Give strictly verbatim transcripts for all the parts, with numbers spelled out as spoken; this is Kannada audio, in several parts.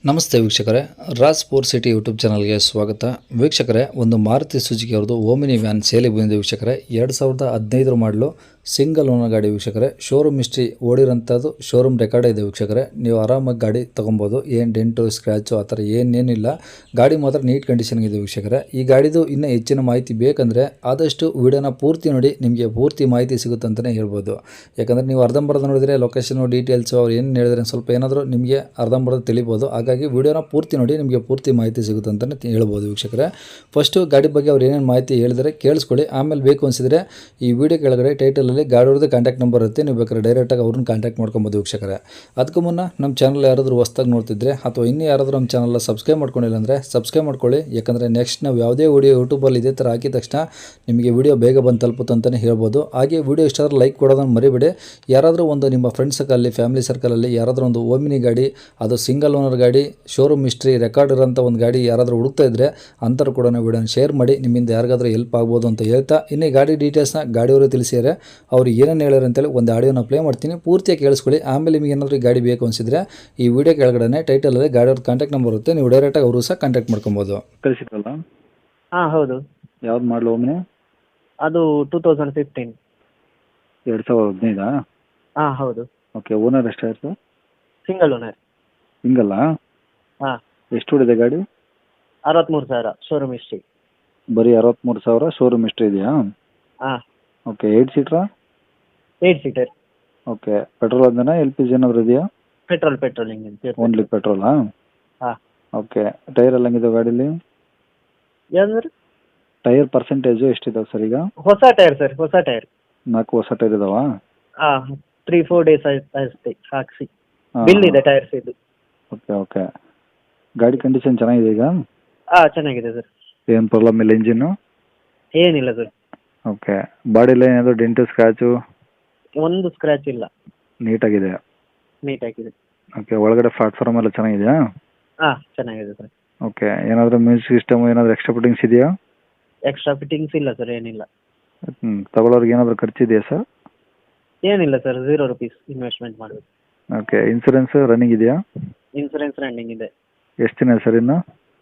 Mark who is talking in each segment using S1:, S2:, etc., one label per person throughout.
S1: ನಮಸ್ತೆ ವೀಕ್ಷಕರೇ, ರಾಜ್ ಸ್ಪೋರ್ಟ್ ಸಿಟಿ ಯೂಟ್ಯೂಬ್ ಚಾನಲ್ಗೆ ಸ್ವಾಗತ. ವೀಕ್ಷಕರೇ, ಒಂದು ಮಾರುತಿ ಸುಜುಕಿ ಅವ್ರದ್ದು ಓಮಿನಿ ವ್ಯಾನ್ ಸೇಲಿಗೆ ಬಂದಿದೆ ವೀಕ್ಷಕರೇ. ಎರಡು ಸಾವಿರದ ಹದಿನೈದರ ಮಾಡಲು ಸಿಂಗಲ್ ಓನರ್ ಗಾಡಿ ವೀಕ್ಷಕರೇ. ಶೋರೂಮ್ ಹಿಸ್ಟ್ರಿ ಓಡಿರೋಂಥದ್ದು ಶೋರೂಮ್ ರೆಕಾರ್ಡ್ ಇದೆ ವೀಕ್ಷಕರೇ. ನೀವು ಆರಾಮಾಗಿ ಗಾಡಿ ತೊಗೊಬೋದು. ಏನು ಡೆಂಟು ಸ್ಕ್ರ್ಯಾಚು ಆ ಥರ ಏನೇನಿಲ್ಲ. ಗಾಡಿ ಮಾತ್ರ ನೀಟ್ ಕಂಡೀಷನ್ಗಿದೆ ವೀಕ್ಷಕರೇ. ಈ ಗಾಡಿದು ಇನ್ನೂ ಹೆಚ್ಚಿನ ಮಾಹಿತಿ ಬೇಕಂದರೆ ಆದಷ್ಟು ವಿಡಿಯೋನ ಪೂರ್ತಿ ನೋಡಿ, ನಿಮಗೆ ಪೂರ್ತಿ ಮಾಹಿತಿ ಸಿಗುತ್ತೆ ಅಂತಲೇ ಹೇಳ್ಬೋದು. ಯಾಕಂದರೆ ನೀವು ಅರ್ಧಂಬರ್ಧ ನೋಡಿದರೆ ಲೊಕೇಶನು ಡೀಟೇಲ್ಸು ಅವ್ರು ಏನು ಹೇಳಿದ್ರೆ ಸ್ವಲ್ಪ ಏನಾದರೂ ನಿಮಗೆ ಅರ್ಧಂಬರ್ಧ ತಿಳಿಬೋದು. ಹಾಗಾಗಿ ವಿಡಿಯೋನ ಪೂರ್ತಿ ನೋಡಿ, ನಿಮಗೆ ಪೂರ್ತಿ ಮಾಹಿತಿ ಸಿಗುತ್ತೆ ಅಂತಲೇ ಹೇಳ್ಬೋದು ವೀಕ್ಷಕರೇ. ಫಸ್ಟು ಗಾಡಿ ಬಗ್ಗೆ ಅವ್ರು ಏನೇನು ಮಾಹಿತಿ ಹೇಳಿದರೆ ಕೇಳಿಸ್ಕೊಳ್ಳಿ. ಆಮೇಲೆ ಬೇಕು ಅನಿಸಿದರೆ ಈ ವಿಡಿಯೋ ಕೆಳಗಡೆ ಟೈಟಲಲ್ಲಿ ಗಾಡಿಯವ್ರದ್ದು ಕಾಂಟ್ಯಾಕ್ಟ್ ನಂಬರ್ ಇರುತ್ತೆ. ನೀವು ಬೇಕಾದ್ರೆ ಡೈರೆಕ್ಟಾಗಿ ಅವ್ರನ್ನ ಕಾಂಟ್ಯಾಕ್ಟ್ ಮಾಡ್ಕೊಬೋದು ವೀಕ್ಷಕರೇ. ಅದಕ್ಕೂ ಮುನ್ನ ನಮ್ಮ ಚಾನಲ್ ಯಾರಾದರೂ ಹೊಸ್ದಾಗಿ ನೋಡ್ತಿದ್ರೆ ಅಥವಾ ಇನ್ನೂ ಯಾರಾದರೂ ನಮ್ಮ ಚಾನಲ್ನ ಸಬ್ಸ್ಕ್ರೈಬ್ ಮಾಡ್ಕೊಂಡಿಲ್ಲ ಅಂದರೆ ಸಬ್ಸ್ಕ್ರೈಬ್ ಮಾಡ್ಕೊಳ್ಳಿ. ಯಾಕಂದರೆ ನೆಕ್ಸ್ಟ್ ನಾವು ಯಾವುದೇ ವಿಡಿಯೋ ಯೂಟ್ಯೂಬಲ್ಲಿ ಇದೇ ಥರ ಹಾಕಿದ ತಕ್ಷಣ ನಿಮಗೆ ವಿಡಿಯೋ ಬೇಗ ಬಂದು ತಲುಪುತ್ತೆ ಅಂತಲೇ ಹೇಳ್ಬೋದು. ಹಾಗೆ ವಿಡಿಯೋ ಇಷ್ಟ ಆದ್ರೆ ಲೈಕ್ ಕೊಡೋದನ್ನು ಮರಿಬೇಡಿ. ಯಾರಾದರೂ ಒಂದು ನಿಮ್ಮ ಫ್ರೆಂಡ್ ಸರ್ಕಲಲ್ಲಿ ಫ್ಯಾಮಿಲಿ ಸರ್ಕಲಲ್ಲಿ ಯಾರಾದರೂ ಒಂದು ಓಮಿನಿ ಗಾಡಿ, ಅದು ಸಿಂಗಲ್ ಓನರ್ ಗಾಡಿ, ಶೋರೂಮ್ ಹಿಸ್ಟ್ರಿ ರೆಕಾರ್ಡ್ ಇರೋಂಥ ಒಂದು ಗಾಡಿ ಯಾರಾದರೂ ಹುಡುಕ್ತಾ ಇದ್ದರೆ ಅಂಥವ್ರು ಕೂಡ ವಿಡಿಯೋನ ಶೇರ್ ಮಾಡಿ. ನಿಮ್ಮಿಂದ ಯಾರಿಗಾದ್ರೂ ಹೆಲ್ಪ್ ಆಗ್ಬೋದು ಅಂತ ಹೇಳ್ತಾ, ಇನ್ನೇ ಗಾಡಿ ಡೀಟೇಲ್ಸ್ನ ಗಾಡಿಯವರು ತಿಳಿಸಿದರೆ ಅವ್ರು ಏನೇನು ಹೇಳ್ಯಾರ ಅಂತೇಳಿ ಒಂದು ಆಡಿಯೋನ ಪ್ಲೇ ಮಾಡ್ತೀನಿ, ಪೂರ್ತಿಯಾಗಿ ಕೇಳಿಸ್ಕೊಳ್ಳಿ. ಆಮೇಲೆ ನಿಮಗೆ ಏನಾದರೂ ಗಾಡಿ ಬೇಕು ಅನಿಸಿದ್ರೆ ಈ ವಿಡಿಯೋ ಕೆಳಗಡೆ ಟೈಟಲಲ್ಲಿ ಗಾಡಿಯವ್ರ ಕಾಂಟ್ಯಾಕ್ಟ್ ನಂಬರ್ ಇರುತ್ತೆ. ನೀವು ಡೈರೆಕ್ಟಾಗಿ ಅವರು ಸಹ ಕಾಂಟ್ಯಾಕ್ಟ್ ಮಾಡ್ಕೊಬೋದು.
S2: ಕಳಿಸಿದ್ರಲ್ಲ,
S3: ಹಾಂ ಹೌದು.
S2: ಯಾವ್ದು ಮಾಡಲು ಒಮ್ಮೆ?
S3: ಅದು ಟೂ ತೌಸಂಡ್ ಫಿಫ್ಟೀನ್.
S2: ಎರಡು ಸಾವಿರದ ಹದಿನೈದಾ?
S3: ಹಾಂ ಹೌದು.
S2: ಓಕೆ. ಓನರ್ ಎಷ್ಟಾಯಿತು?
S3: Single owner.
S2: ಸಿಂಗಲ್ಲಾ?
S3: ಹಾಂ.
S2: ಎಷ್ಟು ಹೊಡಿದೆ ಗಾಡಿ?
S3: ಅರವತ್ತ್ಮೂರು ಸಾವಿರ ಶೋರೂಮ್ ಹಿಸ್ಟ್ರಿ.
S2: ಬರೀ ಅರವತ್ತ್ಮೂರು ಸಾವಿರ ಶೋರೂಮ್ ಹಿಸ್ಟ್ರಿ ಇದೆಯಾ?
S3: ಹಾಂ.
S2: ಓಕೆ. ಏಯ್ಟ್ ಸೀಟ್ರಾ?
S3: Eight seater.
S2: ಓಕೆ. ಪೆಟ್ರೋಲ್ ಅದನ್ನ ಎಲ್ ಪಿ ಜಿ ಏನಾದರೂ ಇದೆಯಾ?
S3: Petrol petrol engine.
S2: ಓನ್ಲಿ ಪೆಟ್ರೋಲಾ?
S3: ಹಾಂ.
S2: ಓಕೆ. ಟೈರ್ ಎಲ್ಲ ಹೆಂಗಿದೆ ಗಾಡೀಲಿ?
S3: ಯಾವ್ದು?
S2: ಟೈರ್ ಪರ್ಸೆಂಟೇಜು ಎಷ್ಟಿದಾವೆ ಸರ್ ಈಗ?
S3: ಹೊಸ ಟೈರ್ ಸರ್, ಹೊಸ ಟೈರ್.
S2: ನಾಲ್ಕು ಹೊಸ ಟೈರ್ ಇದಾವಾ?
S3: ಹಾಂ, ತ್ರೀ ಫೋರ್ ಡೇಸ್ ಅಷ್ಟೇ ಹಾಕ್ಸಿ.
S2: ಹಾಂ.
S3: ಬಿಲ್ ಇದೆ ಟೈರ್ಸ್ ಇದು.
S2: Okay okay. ಗಾಡಿ ಕಂಡೀಷನ್ ಚೆನ್ನಾಗಿದೆ ಈಗ?
S3: ಹಾಂ, ಚೆನ್ನಾಗಿದೆ ಸರ್.
S2: ಏನು ಪ್ರಾಬ್ಲಮ್ ಇಲ್ಲ ಇಂಜಿನ್ನು?
S3: ಏನಿಲ್ಲ ಸರ್.
S2: ಓಕೆ. ಬಾಡಿಲಿ ಏನಾದರೂ ಡೆಂಟು ಸ್ಕ್ರ್ಯಾಚು?
S3: ಒಂದು ಸ್ಕ್ರ್ಯಾಚ್ ಇಲ್ಲ.
S2: ನೀಟಾಗಿದೆ?
S3: ನೀಟ್ ಆಗಿದೆ.
S2: ಓಕೆ. ಒಳಗಡೆ ಪ್ಲಾಟ್ಫಾರ್ಮ್ ಎಲ್ಲ ಚೆನ್ನಾಗಿದೆಯಾ?
S3: ಹಾಂ, ಚೆನ್ನಾಗಿದೆ ಸರ್.
S2: ಓಕೆ. ಏನಾದರೂ ಮ್ಯೂಸಿಕ್ ಸಿಸ್ಟಮ್ ಏನಾದರೂ ಎಕ್ಸ್ಟ್ರಾ ಫಿಟ್ಟಿಂಗ್ಸ್ ಇದೆಯಾ?
S3: ಎಕ್ಸ್ಟ್ರಾ ಫಿಟ್ಟಿಂಗ್ಸ್ ಇಲ್ಲ ಸರ್, ಏನಿಲ್ಲ.
S2: ಹ್ಞೂ. ತಗೊಳ್ಳೋರಿಗೆ ಏನಾದರೂ ಖರ್ಚಿದೆಯಾ ಸರ್?
S3: ಏನಿಲ್ಲ ಸರ್, ಝೀರೋ ರುಪೀಸ್ ಇನ್ವೆಸ್ಟ್ಮೆಂಟ್ ಮಾಡಬೇಕು.
S2: ಓಕೆ. ಇನ್ಸೂರೆನ್ಸ್ ರನ್ನಿಂಗ್ ಇದೆಯಾ?
S3: ಇನ್ಸೂರೆನ್ಸ್ ರನ್ನಿಂಗ್ ಇದೆ.
S2: ಎಷ್ಟು ದಿನ ಸರ್ ಇನ್ನು?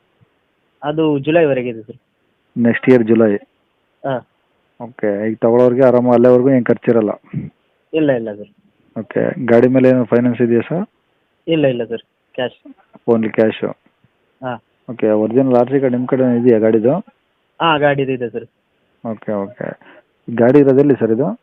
S3: ಅದು ಜುಲೈವರೆಗೆ ಇದೆ ಸರ್.
S2: Next year July?
S3: ಹಾಂ.
S2: ಓಕೆ. ಈಗ ತಗೊಳ್ಳೋರಿಗೆ ಆರಾಮ ಅಲ್ಲೇವರೆಗೂ ಏನು ಖರ್ಚಿರಲ್ಲ?
S3: ಇಲ್ಲ ಇಲ್ಲ ಸರ್.
S2: ಓಕೆ. ಗಾಡಿ ಮೇಲೆ ಏನು ಫೈನಾನ್ಸ್ ಇದೆಯಾ ಸರ್?
S3: ಇಲ್ಲ ಇಲ್ಲ ಸರ್, ಕ್ಯಾಶ್.
S2: Only cash?
S3: ಹಾಂ.
S2: Okay. Original R C card ನಿಮ್ಮ ಕಡೆ ಇದೆಯಾ ಗಾಡಿದು?
S3: ಹಾಂ, ಗಾಡಿದು ಇದೆ ಸರ್.
S2: Okay okay. ಗಾಡಿ ಇರೋದೆಲ್ಲಿ ಸರ್ ಇದು?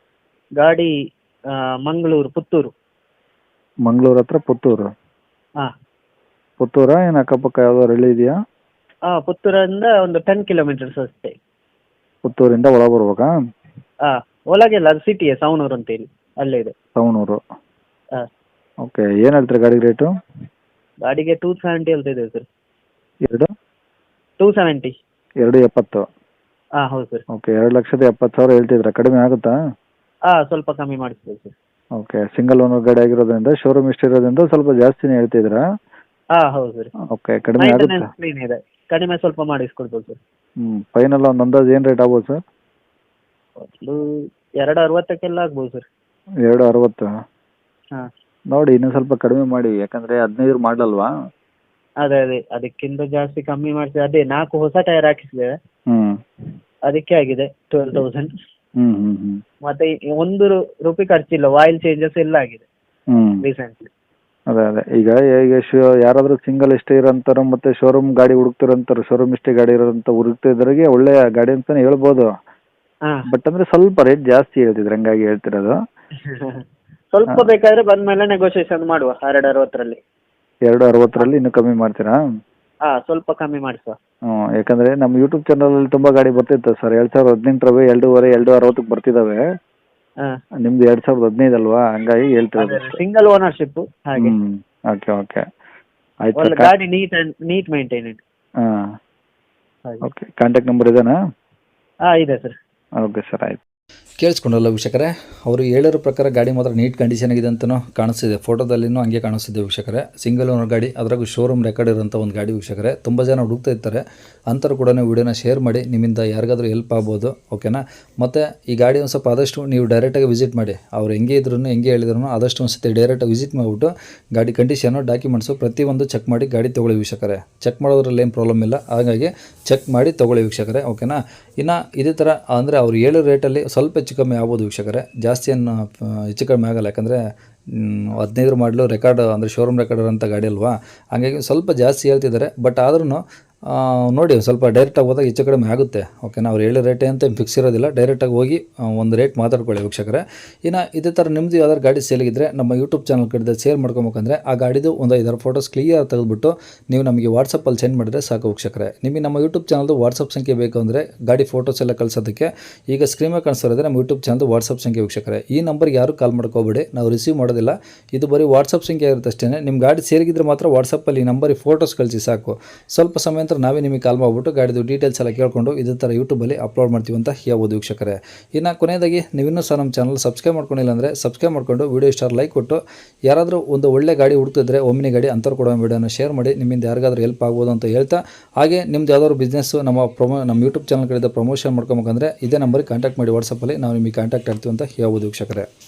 S3: ಗಾಡಿ ಆ, ಮಂಗಳೂರು, ಪುತ್ತೂರು.
S2: ಮಂಗಳೂರು ಹತ್ರ ಪುತ್ತೂರು?
S3: ಹಾಂ.
S2: ಪುತ್ತೂರಾ ಏನು ಅಕ್ಕಪಕ್ಕ ಯಾವ್ದಾದ್ರು ಹಳ್ಳಿ ಇದೆಯಾ?
S3: ಹಾಂ, ಪುತ್ತೂರಿಂದ ಒಂದು ಟೆನ್ ಕಿಲೋಮೀಟರ್ಸ್ ಅಷ್ಟೇ.
S2: ಪುತ್ತೂರಿಂದ ಒಳ ಬರ್ಬೇಕಾ?
S3: ಹಾಂ, ಒಳಗೆಲ್ಲ ಅದು ಸಿಟಿಯೇ, ಸವಣೂರು ಅಂತೇಳಿ ಅಲ್ಲೇ ಇದೆ.
S2: ಸವಣೂರು?
S3: ಹಾಂ.
S2: ಓಕೆ. ಏನು ಹೇಳ್ತೀರಾ ಗಾಡಿ ರೇಟು?
S3: ಗಾಡಿಗೆ ಟೂ ಸೆವೆಂಟಿ ಹೇಳ್ತಿದ್ದೇವೆ ಸರ್.
S2: ಎರಡು?
S3: Two seventy.
S2: ಎರಡು ಎಪ್ಪತ್ತು?
S3: ಹಾಂ ಹೌದು ಸರ್.
S2: ಓಕೆ. ಎರಡು ಲಕ್ಷದ ಎಪ್ಪತ್ತು ಸಾವಿರ ಹೇಳ್ತಿದ್ರಾ? ಕಡಿಮೆ ಆಗುತ್ತಾ?
S3: ಹಾಂ, ಸ್ವಲ್ಪ ಕಮ್ಮಿ ಮಾಡಿಸ್ಬೋದು ಸರ್.
S2: ಓಕೆ. ಸಿಂಗಲ್ ಓನರ್ ಗಾಡಿ ಆಗಿರೋದ್ರಿಂದ ಶೋರೂಮ್ ಇಷ್ಟು ಇರೋದ್ರಿಂದ ಸ್ವಲ್ಪ ಜಾಸ್ತಿನೇ ಹೇಳ್ತಿದ್ರಾ?
S3: ಹಾಂ ಹೌದು ಸರ್.
S2: ಓಕೆ. ಕಡಿಮೆ ಆಗುತ್ತೆ?
S3: ಮೈಂಟೆನೆನ್ಸ್ ಕ್ಲೀನ್ ಇದೆ, ಕಡಿಮೆ ಸ್ವಲ್ಪ ಮಾಡಿಸ್ಕೊಡ್ಬೋದು ಸರ್.
S2: ಹ್ಞೂ. ಫೈನಲ್ ಒಂದು ಅಂದಾಜು ಏನು ರೇಟ್ ಆಗ್ಬೋದು ಸರ್?
S3: ಒಂದು ಎರಡು ಅರವತ್ತಕ್ಕೆಲ್ಲ ಆಗ್ಬೋದು ಸರ್.
S2: ಎರಡು ಅರವತ್ತು?
S3: ಹಾಂ.
S2: ನೋಡಿ ಇನ್ನೂ ಸ್ವಲ್ಪ ಕಡಿಮೆ ಮಾಡಿ, ಯಾಕಂದರೆ ಹದಿನೈದು ಮಾಡಲಲ್ವಾ?
S3: ಅದೇ ಅದೇ ಅದಕ್ಕಿಂತ ಜಾಸ್ತಿ ಕಮ್ಮಿ ಮಾಡ್ತೀವಿ. ಅದೇ ನಾಲ್ಕು ಹೊಸ ಟೈರ್ ಹಾಕಿಸಿದ್ದೇವೆ,
S2: ಹ್ಞೂ.
S3: ಅದಕ್ಕೆ ಆಗಿದೆ ಟ್ವೆಲ್ ತೌಸಂಡ್.
S2: ಹ್ಞೂ ಹ್ಞೂ ಹ್ಞೂ.
S3: ಮತ್ತೆ ಈ ಒಂದು ರು- ರೂಪಾಯಿ ಖರ್ಚಿಲ್ಲ. ಆಯಿಲ್ ಚೇಂಜಸ್ ಎಲ್ಲ ಆಗಿದೆ
S2: ಹ್ಞೂ.
S3: ರೀಸೆಂಟ್ಲಿ.
S2: ಅದೇ ಅದೇ ಈಗ ಈಗ ಶೋ ಯಾರಾದರೂ ಸಿಂಗಲ್ ಇಷ್ಟೇ ಇರೋಂಥವ್ರು ಮತ್ತು ಶೋರೂಮ್ ಗಾಡಿ ಹುಡುಕ್ತಿರೋಂಥವ್ರು, ಶೋರೂಮ್ ಇಷ್ಟೇ ಗಾಡಿ ಇರೋಂಥ ಹುಡುಕ್ತಿದ್ರಿಗೆ ಒಳ್ಳೆಯ ಗಾಡಿ ಅಂತಲೇ ಹೇಳ್ಬೋದು.
S3: ಹಾಂ.
S2: ಬಟ್ ಅಂದರೆ ಸ್ವಲ್ಪ ರೇಟ್ ಜಾಸ್ತಿ ಹೇಳ್ತಿದ್ರು, ಹಂಗಾಗಿ ಹೇಳ್ತಿರೋದು.
S3: ಸ್ವಲ್ಪ ಬೇಕಾದ್ರೆ ಬಂದ್ಮೇಲೆ ನೆಗೋಷಿಯೇಷನ್ ಮಾಡುವ. ಎರಡು ಅರವತ್ತರಲ್ಲಿ.
S2: ಎರಡು ಅರವತ್ತರಲ್ಲಿ ಇನ್ನೂ ಕಮ್ಮಿ ಮಾಡ್ತೀರಾ?
S3: ಹಾಂ, ಸ್ವಲ್ಪ ಕಮ್ಮಿ ಮಾಡಿಸುವ.
S2: ಹ್ಞೂ. ಯಾಕಂದರೆ ನಮ್ಮ ಯೂಟ್ಯೂಬ್ ಚಾನಲಲ್ಲಿ ತುಂಬ ಗಾಡಿ ಬರ್ತಿತ್ತು ಸರ್. ಎರಡು ಸಾವಿರದ ಹದಿನೆಂಟರವೇ ಎರಡೂವರೆ ಎರಡು ಅರವತ್ತಕ್ಕೆ ಬರ್ತಿದ್ದಾವೆ.
S3: ಹಾಂ.
S2: ನಿಮ್ದು ಎರಡು ಸಾವಿರದ ಹದಿನೈದು ಅಲ್ವಾ, ಹಂಗಾಗಿ ಹೇಳ್ತಿರೋದು.
S3: ಸಿಂಗಲ್ ಓನರ್ಶಿಪ್ ಹಾಗೆ.
S2: ಹ್ಞೂ. Okay okay. ಆಯ್ತು
S3: ಒಳ್ಳೆ
S2: ಸರ್.
S3: ಗಾಡಿ ನೀಟ್ ಅಂಡ್ ನೀಟ್ ಮೇಂಟೈನೆಡ್
S2: ಹಾಂ.
S3: ಹಾಗೆ.
S2: ಓಕೆ. ಕಾಂಟ್ಯಾಕ್ಟ್ ನಂಬರ್ ಇದೇನಾ?
S3: ಹಾಂ, ಇದೆ ಸರ್.
S2: ಓಕೆ ಸರ್, ಆಯ್ತು.
S1: ಕೇಳಿಸ್ಕೊಂಡಲ್ಲ ವೀಕ್ಷಕರೇ, ಅವರು ಹೇಳಿರೋ ಪ್ರಕಾರ ಗಾಡಿ ಮಾತ್ರ ನೀಟ್ ಕಂಡೀಷನ್ ಆಗಿದೆ ಅಂತಲೂ ಕಾಣಿಸ್ತಿದೆ, ಫೋಟೋದಲ್ಲಿನೂ ಹಂಗೆ ಕಾಣಿಸ್ತಿದೆ ವೀಕ್ಷಕರೇ. ಸಿಂಗಲ್ ಓನರ್ ಗಾಡಿ, ಅದರಾಗೂ ಶೋರೂಮ್ ರೆಕಾರ್ಡ್ ಇರೋಂಥ ಒಂದು ಗಾಡಿ ವೀಕ್ಷಕರೇ. ತುಂಬ ಜನ ಹುಡುಕ್ತಾ ಇರ್ತಾರೆ, ಅಂಥವ್ರು ಕೂಡ ವಿಡಿಯೋನ ಶೇರ್ ಮಾಡಿ, ನಿಮ್ಮಿಂದ ಯಾರಿಗಾದ್ರೂ ಹೆಲ್ಪ್ ಆಗ್ಬೋದು, ಓಕೆನಾ. ಮತ್ತು ಈ ಗಾಡಿ ಒಂದು ಸ್ವಲ್ಪ ಆದಷ್ಟು ನೀವು ಡೈರೆಕ್ಟಾಗಿ ವಿಸಿಟ್ ಮಾಡಿ, ಅವ್ರು ಹೆಂಗೆ ಇದ್ರೂ ಹೆಂಗೆ ಹೇಳಿದ್ರು ಆದಷ್ಟು ಒಂದು ಸತಿ ಡೈರೆಕ್ಟಾಗಿ ವಿಸಿಟ್ ಮಾಡಿಬಿಟ್ಟು ಗಾಡಿ ಕಂಡೀಷನು ಡಾಕ್ಯುಮೆಂಟ್ಸು ಪ್ರತಿಯೊಂದು ಚೆಕ್ ಮಾಡಿ ಗಾಡಿ ತೊಗೊಳ್ಳಿ ವೀಕ್ಷಕರೇ. ಚೆಕ್ ಮಾಡೋದ್ರಲ್ಲಿ ಏನು ಪ್ರಾಬ್ಲಮ್ ಇಲ್ಲ, ಹಾಗಾಗಿ ಚೆಕ್ ಮಾಡಿ ತೊಗೊಳ್ಳಿ ವೀಕ್ಷಕರೇ, ಓಕೆನಾ. ಇನ್ನು ಇದೇ ಥರ ಅಂದರೆ ಅವ್ರು ಹೇಳೋ ರೇಟಲ್ಲಿ ಸ್ವಲ್ಪ ಹೆಚ್ಚು ಕಮ್ಮಿ ಆಗ್ಬೋದು ವೀಕ್ಷಕರೇ, ಜಾಸ್ತಿ ಏನು ಹೆಚ್ಚು ಕಮ್ಮಿ ಆಗೋಲ್ಲ. ಯಾಕಂದರೆ ಹದಿನೈದು ಮಾಡಲು ರೆಕಾರ್ಡ್ ಅಂದರೆ ಶೋರೂಮ್ ರೆಕಾರ್ಡ್ ಇರೋಂಥ ಗಾಡಿ ಅಲ್ವಾ, ಹಾಗಾಗಿ ಸ್ವಲ್ಪ ಜಾಸ್ತಿ ಹೇಳ್ತಿದ್ದಾರೆ. ಬಟ್ ಆದ್ರೂ ನೋಡಿ ಸ್ವಲ್ಪ ಡೈರೆಕ್ಟಾಗಿ ಹೋದಾಗ ಹೆಚ್ಚು ಕಡಿಮೆ ಆಗುತ್ತೆ, ಓಕೆನಾ. ಅವ್ರು ಹೇಳೋ ರೇಟೇ ಅಂತ ಫಿಕ್ಸ್ ಇರೋದಿಲ್ಲ, ಡೈರೆಕ್ಟಾಗಿ ಹೋಗಿ ಒಂದು ರೇಟ್ ಮಾತಾಡ್ಕೊಳ್ಳಿ ವೀಕ್ಷಕರೇ. ಇನ್ನು ಇದೇ ಥರ ನಿಮ್ಮದು ಯಾವ್ದಾದ್ರು ಗಾಡಿ ಸೇಲಿಗಿದ್ರೆ ನಮ್ಮ ಯೂಟ್ಯೂಬ್ ಚಾನಲ್ ಕಡೆ ಸೇಲ್ ಮಾಡ್ಕೊಬೇಕಂದ್ರೆ ಆ ಗಾಡಿದು ಒಂದು ಐದಾರು ಫೋಟೋಸ್ ಕ್ಲಿಯರ್ ತೆಗೆದುಬಿಟ್ಟು ನೀವು ನಮಗೆ ವಾಟ್ಸಪ್ಪಲ್ಲಿ ಸೆಂಡ್ ಮಾಡಿದ್ರೆ ಸಾಕು ವೀಕ್ಷಕರೇ. ನಿಮಗೆ ನಮ್ಮ ಯೂಟ್ಯೂಬ್ ಚಾನಲ್ದು ವಾಟ್ಸಪ್ ಸಂಖ್ಯೆ ಬೇಕು ಅಂದರೆ ಗಾಡಿ ಫೋಟೋಸ್ ಎಲ್ಲ ಕಳಿಸೋದಕ್ಕೆ ಈಗ ಸ್ಕ್ರೀನ್ ಮೇಲೆ ಕಾಣಿಸ್ತಿರೋದ್ರೆ ನಮ್ಮ ಯೂಟ್ಯೂಬ್ ಚಾನಲ್ದು ವಾಟ್ಸಪ್ ಸಂಖ್ಯೆ ವೀಕ್ಷಕರೇ. ಈ ನಂಬರ್ಗೆ ಯಾರು ಕಾಲ್ ಮಾಡ್ಕೋಬೇಡಿ, ನಾವು ರಿಸೀವ್ ಮಾಡೋದಿಲ್ಲ, ಇದು ಬರೀ ವಾಟ್ಸಪ್ ಸಂಖ್ಯೆ ಇರುತ್ತೆ ಅಷ್ಟೇ. ನಿಮ್ಮ ಗಾಡಿ ಸೇರಿಗಿದ್ರೆ ಮಾತ್ರ ವಾಟ್ಸಪ್ಪಲ್ಲಿ ಈ ನಂಬರಿಗೆ ಫೋಟೋಸ್ ಕಳಿಸಿ ಸಾಕು. ಸ್ವಲ್ಪ ಸಮಯ ನಂತರ ನಾವೇ ನಿಮಗೆ ಕಾಲ್ ಮಾಡಿಬಿಟ್ಟು ಗಾಡಿದು ಡೀಟೇಲ್ಸ್ ಎಲ್ಲ ಕೇಳಿಕೊಂಡು ಇದೇ ಥರ ಯೂಟ್ಯೂಬಲ್ಲಿ ಅಪ್ಲೋಡ್ ಮಾಡ್ತೀವಿ ಅಂತ ಹೇಳ್ಬೋದು ವೀಕ್ಷಕರೇ. ಇನ್ನು ಕೊನೆಯದಾಗಿ ನೀವಿನ್ನೂ ಸಹ ನಮ್ಮ ಚಾನಲ್ ಸಬ್ಸ್ಕ್ರೈಬ್ ಮಾಡ್ಕೊಂಡಿಲ್ಲ ಅಂದರೆ ಸಬ್ಸ್ಕ್ರೈಬ್ ಮಾಡಿಕೊಂಡು ವೀಡಿಯೋ ಇಷ್ಟ ಲೈಕ್ ಕೊಟ್ಟು, ಯಾರಾದರೂ ಒಂದು ಒಳ್ಳೆ ಗಾಡಿ ಹುಡುಕ್ತಿದ್ರೆ ಒಮ್ಮಿನಿ ಗಾಡಿ ಅಂಥವ್ರು ಕೂಡ ವೀಡಿಯೋನ ಶೇರ್ ಮಾಡಿ, ನಿಮ್ಮಿಂದ ಯಾರಿಗಾದ್ರೂ ಹೆಲ್ಪ್ ಆಗ್ಬೋದು ಅಂತ ಹೇಳ್ತಾ, ಹಾಗೆ ನಿಮ್ದು ಯಾವ್ದಾದ್ರು ಬಿಸ್ನೆಸ್ಸು ನಮ್ಮ ಪ್ರೊಮೋ ನಮ್ಮ ಯೂಟ್ಯೂಬ್ ಚಾನಲ್ ಕಡೆಯಿಂದ ಪ್ರಮೋಷನ್ ಮಾಡ್ಕೊಬೇಕಂದ್ರೆ ಇದೇ ನಂಬರಿಗೆ ಕಾಂಟ್ಯಾಕ್ಟ್ ಮಾಡಿ ವಾಟ್ಸಪ್ಪಲ್ಲಿ ನಾವು ನಿಮಗೆ ಕಾಂಟ್ಯಾಕ್ಟ್ ಆಗ್ತೀವಿ ಅಂತ ಹೇಳ್ಬೋದು ವೀಕ್ಷಕರೇ.